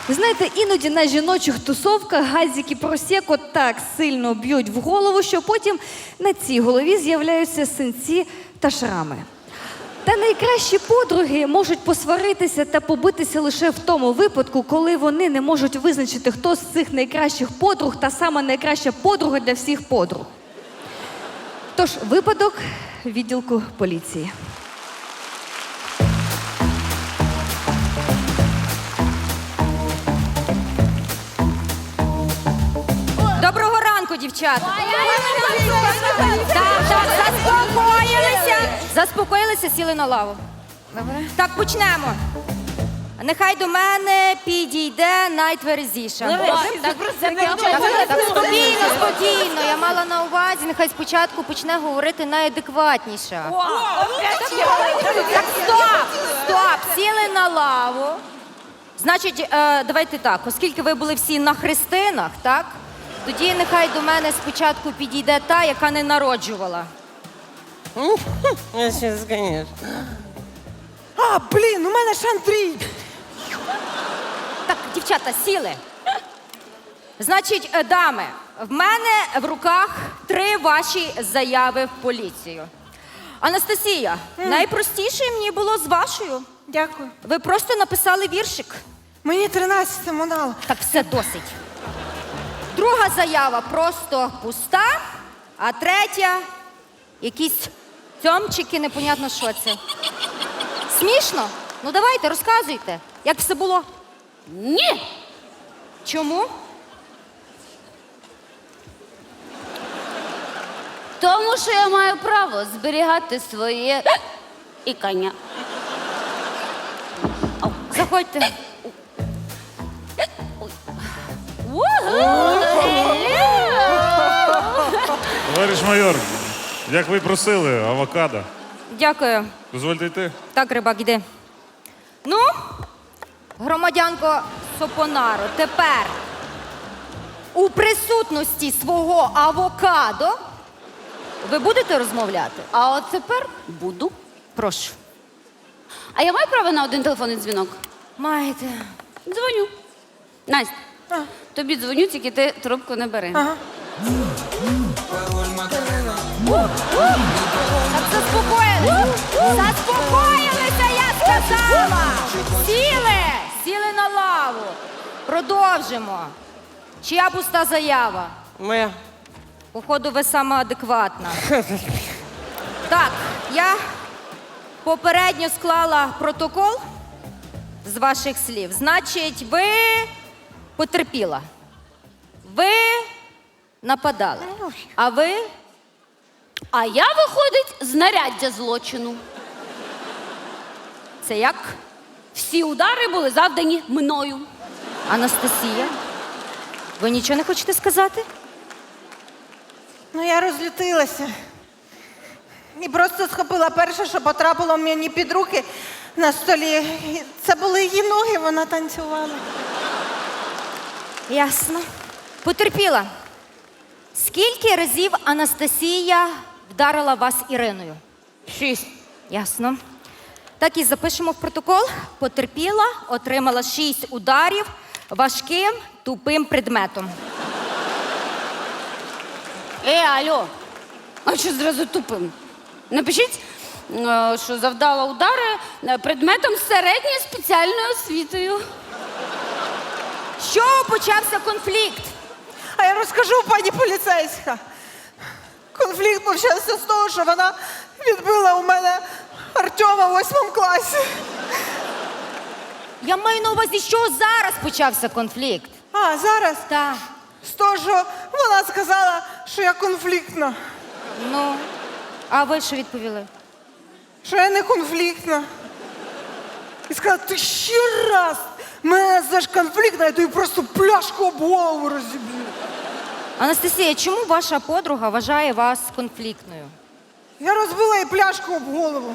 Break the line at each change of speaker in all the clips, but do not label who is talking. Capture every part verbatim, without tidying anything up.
Ви знаєте, іноді на жіночих тусовках газики просеко так сильно б'ють в голову, що потім на цій голові з'являються синці та шрами. Та найкращі подруги можуть посваритися та побитися лише в тому випадку, коли вони не можуть визначити, хто з цих найкращих подруг та сама найкраща подруга для всіх подруг. Тож, випадок відділку поліції.
Доброго ранку, дівчата. Так, так, заспокоїлися. Заспокоїлися, сіли на лаву. Так, почнемо. Нехай до мене підійде найтверезіша. Так, так, спокійно, спокійно. Я мала на увазі, нехай спочатку почне говорити найадекватніша. Так, стоп, стоп, сіли на лаву. Значить, е, давайте так, оскільки ви були всі на хрестинах, так? Тоді нехай до мене спочатку підійде та, яка не народжувала.
Я сейчас, конечно.
А, блін, у мене ж Андрій.
Так, дівчата, сіли. Значить, е, дами, в мене в руках три ваші заяви в поліцію. Анастасія, найпростіше мені було з вашою.
Дякую.
Ви просто написали віршик.
Мені тринадцять мало.
Так, все досить. Друга заява просто пуста, а третя якісь цьомчики, непонятно що це. Смішно? Ну давайте, розказуйте, як все було. Ні. Чому?
Тому що я маю право зберігати своє ікання.
Заходьте.
Товариш майор, як ви просили, авокадо.
Дякую.
Дозвольте йти.
Так, рибак, іди. Ну, громадянко Сопонаро, тепер у присутності свого авокадо ви будете розмовляти?
А от тепер буду.
Прошу.
А я маю право на один телефонний дзвінок?
Маєте.
Дзвоню. Настя, тобі дзвоню, тільки ти трубку не бери.
Ага.
Так заспокоїлися. Заспокоїлися, я сказала. Сіли. Сіли на лаву. Продовжимо. Чия пуста заява?
Моя.
Походу, ви сама адекватна. Так, я попередньо склала протокол з ваших слів. Значить, ви потерпіла. Ви нападали. А ви?
А я, виходить, знаряддя злочину.
Це як?
Всі удари були завдані мною.
Анастасія? Ви нічого не хочете сказати?
Ну, я розлютилася. І просто схопила перше, що потрапило мені під руки на столі. І це були її ноги, вона танцювала.
Ясно. Потерпіла. Скільки разів Анастасія вдарила вас Іриною?
Шість.
Ясно. Так і запишемо в протокол. Потерпіла, отримала шість ударів важким тупим предметом.
Е, алло, а що зразу тупим? Напишіть, е, що завдала удари е, предметом з середньою спеціальною освітою.
З чого почався конфлікт?
А я розкажу, пані поліцейська. Конфлікт почався з того, що вона відбила у мене Артема в восьмому класі.
Я маю на увазі, з чого зараз почався конфлікт.
А, зараз?
Так.
З того, що вона сказала, що я конфліктна.
Ну, а ви що відповіли?
Що я не конфліктна. І сказала, ти ще раз мене назвеш конфліктна, я тобі просто пляшку об голову розіб'ю.
Анастасія, чому ваша подруга вважає вас конфліктною?
Я розбила їй пляшку об голову.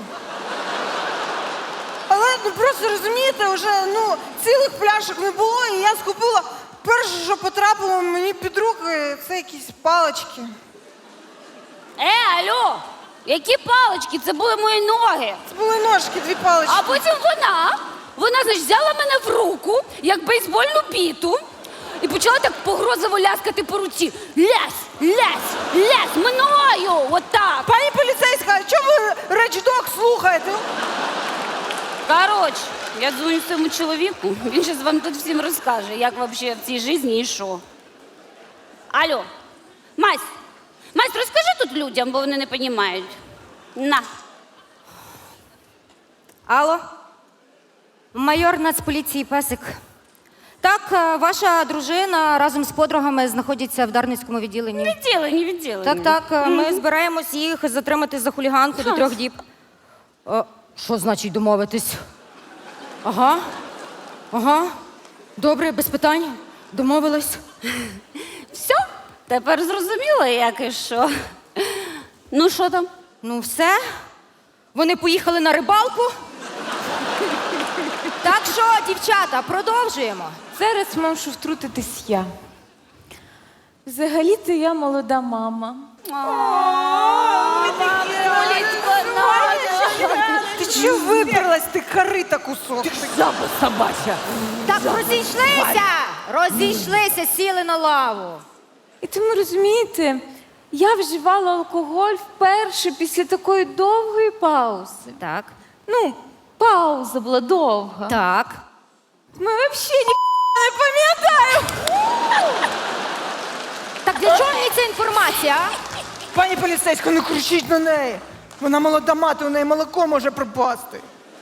Але ну просто розумієте, вже ну, цілих пляшок не було, і я схопила перше, що потрапило мені під руки, це якісь палички.
Е, алло, які палички? Це були мої ноги.
Це були ножки, дві палички.
А потім вона Вона, значить, взяла мене в руку, як бейсбольну біту, і почала так погрозово ляскати по руці. Лясь, лясь, лясь, мною, отак.
Пані поліцейська, а чому ви речдок слухаєте?
Коротше, я дзвоню своєму чоловіку, він зараз вам тут всім розкаже, як взагалі в цій житті і що. Алло, Мась, Мась, розкажи тут людям, бо вони не розуміють. На.
Алло? Майор Нацполіції Песик. Так, е, ваша дружина разом з подругами знаходиться в Дарницькому відділенні.
Відділені, відділені.
Так, так, е, ми збираємось їх затримати за хуліганку до трьох діб. Е, Що значить домовитись? Ага. Ага. Добре, без питань. Домовились.
Все, тепер зрозуміло, як і що. Ну, що там?
Ну, все. Вони поїхали на рибалку. Так що, дівчата, продовжуємо.
Зараз мушу втрутитись я. Взагалі-то я молода мама.
Ти чого виперлась, ти корита кусок?
Так, розійшлися! Розійшлися, сіли на лаву.
І тому розумієте, я вживала алкоголь вперше після такої довгої паузи.
Так.
Ну, пауза була довга.
Так.
Ми взагалі ні не пам'ятаю.
Так для чого мені ця інформація? а?
Пані поліцейська, не кричіть на неї. Вона молода мати, у неї молоко може пропасти.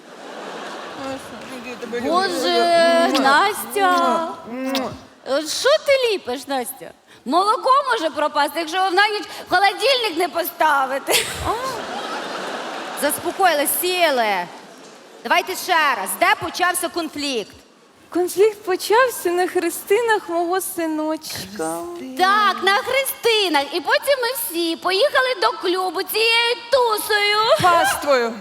Боже, Настя. От що ти ліпиш, Настя? Молоко може пропасти, якщо ви в ніч в холодильник не поставити.
Заспокоїлись, сіли. Давайте ще раз. Де почався конфлікт?
Конфлікт почався на хрестинах мого синочка.
Так, на хрестинах. І потім ми всі поїхали до клубу цією тусою.
Паствою.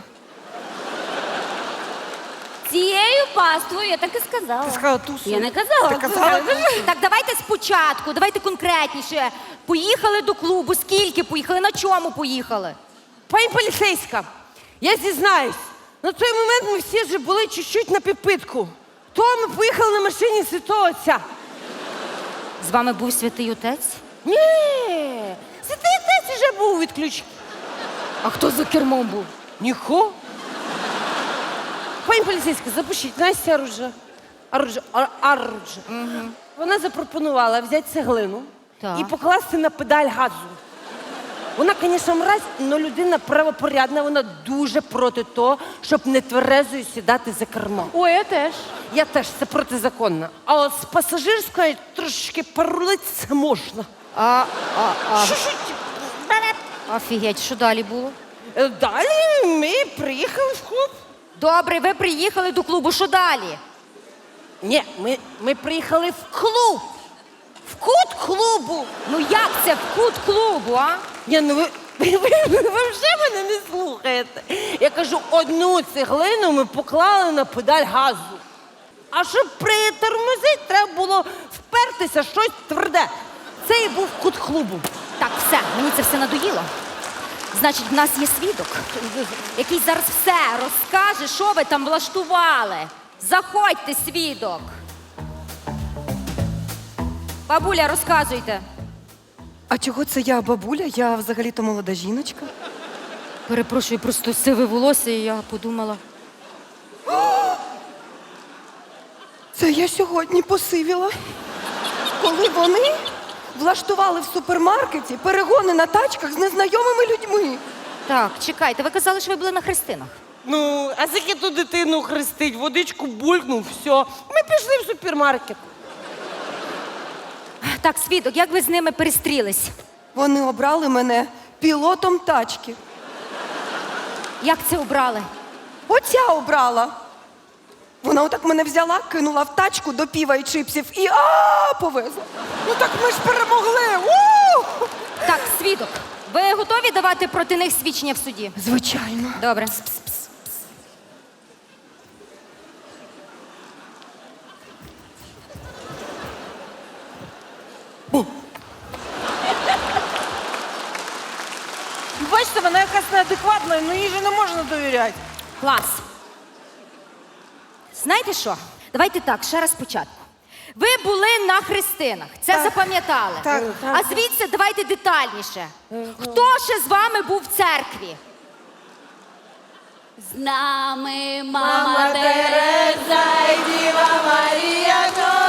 Цією паствою, я так і сказала.
Ти сказала тусою.
Я не казала.
Ти казала
Так, давайте спочатку, давайте конкретніше. Поїхали до клубу, скільки поїхали, на чому поїхали?
Пані поліцейська, я зізнаюсь, на той момент ми всі вже були чуть-чуть на підпитку. То ми поїхали на машині Святого Отця.
З вами був святий отець?
Ні, Святий Отець вже був відключений.
А хто за кермом був?
Ніхо. Пані поліцейська, запишіть, Настя Аруджа. Аруджа, Ар- Аруджа. Вона запропонувала взяти цеглину
Так.
і покласти на педаль газу. Вона, звісно, мразь, але людина правопорядна, вона дуже проти того, щоб нетверезою сідати за кермо.
Ой, я теж.
Я теж, це протизаконно. А от з пасажирської трошки порулити це можна.
А, а, а.
Що-що?
Офігеть, що далі було?
Е, Далі ми приїхали в клуб.
Добре, ви приїхали до клубу, що далі?
Ні, ми, ми приїхали в клуб. В кут клубу.
Ну як це в кут клубу, а?
Ні, ну ви, ви, ви, ви, ви вже мене не слухаєте. Я кажу, одну цеглину ми поклали на педаль газу. А щоб притормозити, треба було впертися в щось тверде. Це і був кут клубу.
Так, все, мені це все надоїло. Значить, в нас є свідок, який зараз все розкаже, що ви там влаштували. Заходьте, свідок. Бабуля, розказуйте.
А чого це я, бабуля? Я взагалі-то молода жіночка.
Перепрошую, просто сиве волосся, і я подумала.
Це я сьогодні посивіла. Коли вони влаштували в супермаркеті перегони на тачках з незнайомими людьми.
Так, чекайте, ви казали, що ви були на хрестинах.
Ну, а скільки ту дитину хрестить, водичку булькнув, все. Ми пішли в супермаркет.
Так, свідок, як ви з ними перестрілись?
Вони обрали мене пілотом тачки.
Як це обрали?
Оця обрала. Вона отак мене взяла, кинула в тачку до піва і чипсів і а повезла.
Ну так ми ж перемогли! У!
Так, свідок, ви готові давати проти них свідчення в суді?
Звичайно.
Добре.
Бачите, вона якась неадекватна, ну їй же не можна довіряти.
Клас. знаєте що? Давайте так, ще раз спочатку. Ви були на хрестинах, це
Так.
запам'ятали.
Так,
А звідси давайте детальніше. Хто ще з вами був в церкві?
З нами мама Тереза і Діва Марія,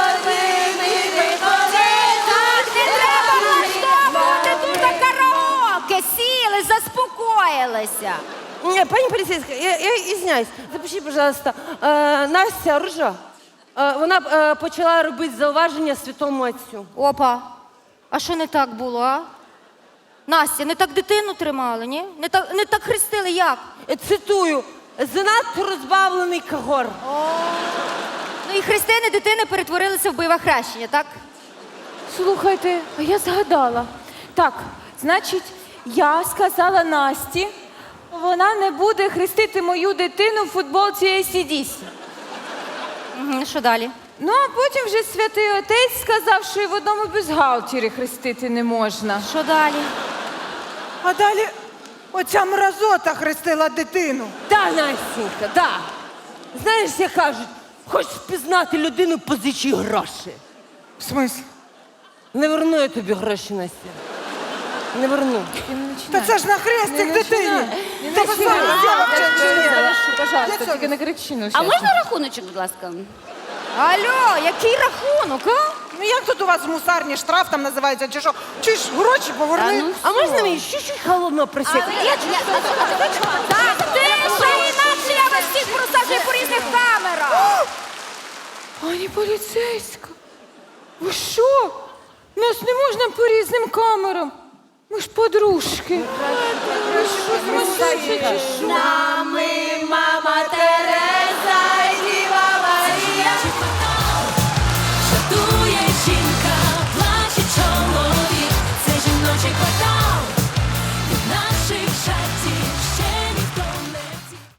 Так, не треба влаштовувати тут караоке. Сіли, заспокоїлися.
Ні, пані поліцейська, я, я извиняюсь, запишіть, пожалуйста, е, Настя Ружа, е, вона е, почала робити зауваження святому отцю.
Опа. А що не так було, а? Настя, не так дитину тримали, ні? Не так, не так хрестили, як?
Е, Цитую, занадто розбавлений кагор.
Ну і хрестини дитини перетворилися в бойове хрещення, так?
Слухайте, а я згадала. Так, значить, я сказала Насті, вона не буде хрестити мою дитину в футболці ей сі ді сі.
Угу, що далі?
Ну, а потім вже святий отець сказав, що і в одному бюстгальтері хрестити не можна.
Що далі?
А далі оця мразота хрестила дитину.
Да, Настенька, да. Знаєш, як кажуть, хочеш впізнати людину, позичі гроші.
В смислі?
Не верну я тобі гроші, Настя. Не верну.
Та це ж на хрестик дитині. Та ви самі взяли чи ні?
Завершу, пожалуйста,
Я
тільки не кричи, ну,
А
щас.
можна рахуночок, будь ласка?
Алло, який рахунок, а?
Ну як тут у вас в мусарні штраф там називається, чи що? Чи ж гроші поверни?
А можна мені чуть-чуть холодно просити?
Так, тише, інакше я вас всіх просаджую по різних камерах.
Пані поліцейська, ви що? Нас не можна по різним камерам. Ми ж подружки. Ви що, сумасшедші чи що?
Мама Тереза і Діва Марія.